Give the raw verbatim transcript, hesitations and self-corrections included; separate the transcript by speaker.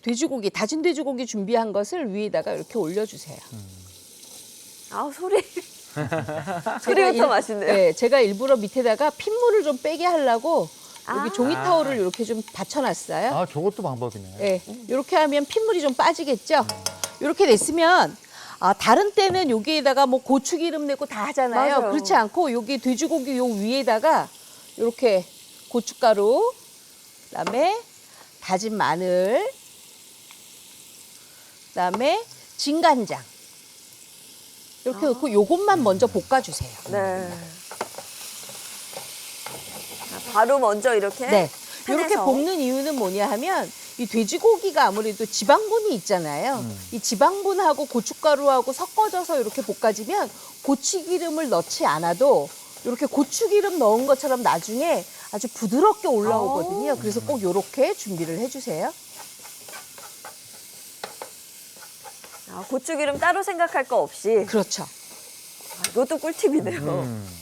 Speaker 1: 돼지고기, 다진 돼지고기 준비한 것을 위에다가 이렇게 올려주세요.
Speaker 2: 아 소리.
Speaker 1: 제가
Speaker 2: 소리부터
Speaker 1: 일-
Speaker 2: 맛있네요.
Speaker 1: 네, 제가 일부러 밑에다가 핏물을 좀 빼게 하려고 여기
Speaker 2: 아.
Speaker 1: 종이 타올을 이렇게 좀 받쳐놨어요.
Speaker 3: 아, 저것도 방법이네.
Speaker 1: 네, 이렇게 하면 핏물이 좀 빠지겠죠? 이렇게 됐으면 아, 다른 때는 여기에다가 뭐 고추기름 내고 다 하잖아요.
Speaker 2: 맞아요.
Speaker 1: 그렇지 않고 여기 돼지고기 요 위에다가 이렇게 고춧가루, 그다음에 다진 마늘, 그다음에 진간장 이렇게 넣고 요것만 먼저 볶아주세요.
Speaker 2: 네. 자, 바로 먼저 이렇게.
Speaker 1: 네. 이렇게
Speaker 2: 팬에서.
Speaker 1: 볶는 이유는 뭐냐 하면 이 돼지고기가 아무래도 지방분이 있잖아요.
Speaker 3: 음.
Speaker 1: 이 지방분하고 고춧가루하고 섞어져서 이렇게 볶아지면 고추기름을 넣지 않아도 이렇게 고추기름 넣은 것처럼 나중에 아주 부드럽게 올라오거든요. 그래서 꼭 이렇게 준비를 해주세요.
Speaker 2: 아, 고추기름 따로 생각할 거 없이.
Speaker 1: 그렇죠.
Speaker 2: 아, 이것도 꿀팁이네요.
Speaker 3: 음.